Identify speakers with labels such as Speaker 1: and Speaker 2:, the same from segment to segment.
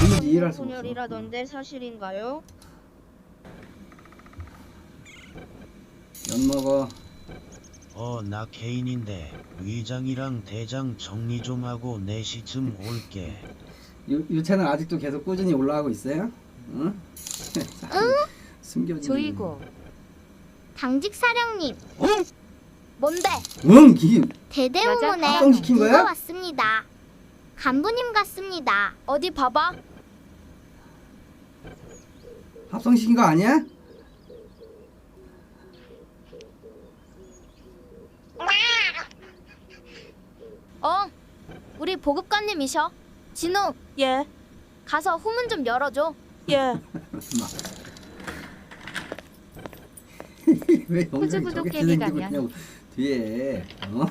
Speaker 1: 도무지 이해할 수가 없어.
Speaker 2: 분열이라던데 사실인가요?
Speaker 1: 연 먹어.
Speaker 3: 나 개인인데 위장이랑 대장 정리 좀 하고 4시쯤 올게.
Speaker 1: 요 채널 아직도 계속 꾸준히 올라가고 있어요? 응? 숨겨진.
Speaker 4: 조이고
Speaker 5: 당직 사령님.
Speaker 1: 어?
Speaker 5: 뭔데?
Speaker 1: 응, 기
Speaker 5: 대대문문에
Speaker 1: 합성시킨 거야?
Speaker 5: 누가 왔습니다. 간부님 같습니다.
Speaker 4: 어디 봐봐.
Speaker 1: 합성시킨 거 아니야?
Speaker 4: 우리 보급관님이셔. 진우,
Speaker 6: 예,
Speaker 4: 가서 후문 좀 열어줘.
Speaker 6: 예.
Speaker 1: 왜 영상이
Speaker 4: 구두구두
Speaker 1: 저게
Speaker 4: 깨기
Speaker 1: 진행되고
Speaker 4: 가면.
Speaker 1: 있냐고 뒤에. 어?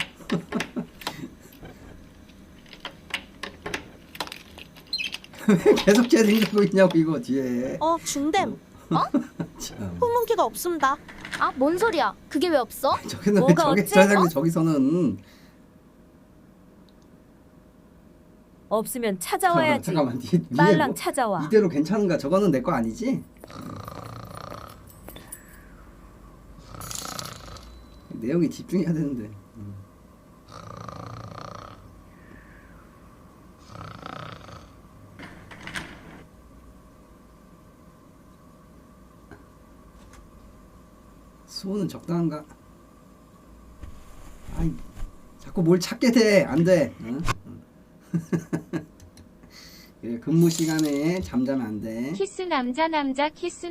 Speaker 1: 왜 계속 진행되고 있냐고 이거 뒤에.
Speaker 6: 중댐.
Speaker 1: 참.
Speaker 6: 후문기가 없습니다.
Speaker 4: 아, 뭔 소리야? 그게 왜 없어?
Speaker 1: 저기는 왜
Speaker 4: 뭐가
Speaker 1: 저기
Speaker 4: 어째?
Speaker 1: 저장님 저기서는
Speaker 7: 없으면 찾아와야지.
Speaker 1: 잠깐만 위에
Speaker 7: 빨랑
Speaker 1: 뭐,
Speaker 7: 찾아와.
Speaker 1: 이대로 괜찮은가? 저거는 내 거 아니지? 내용에 집중해야 되는데. 수호는 적당한가? 아이, 자꾸 뭘 찾게 돼. 안 돼. 응? 그래, 근무 시간에 잠자면 안 돼.
Speaker 8: 키스 남자 키스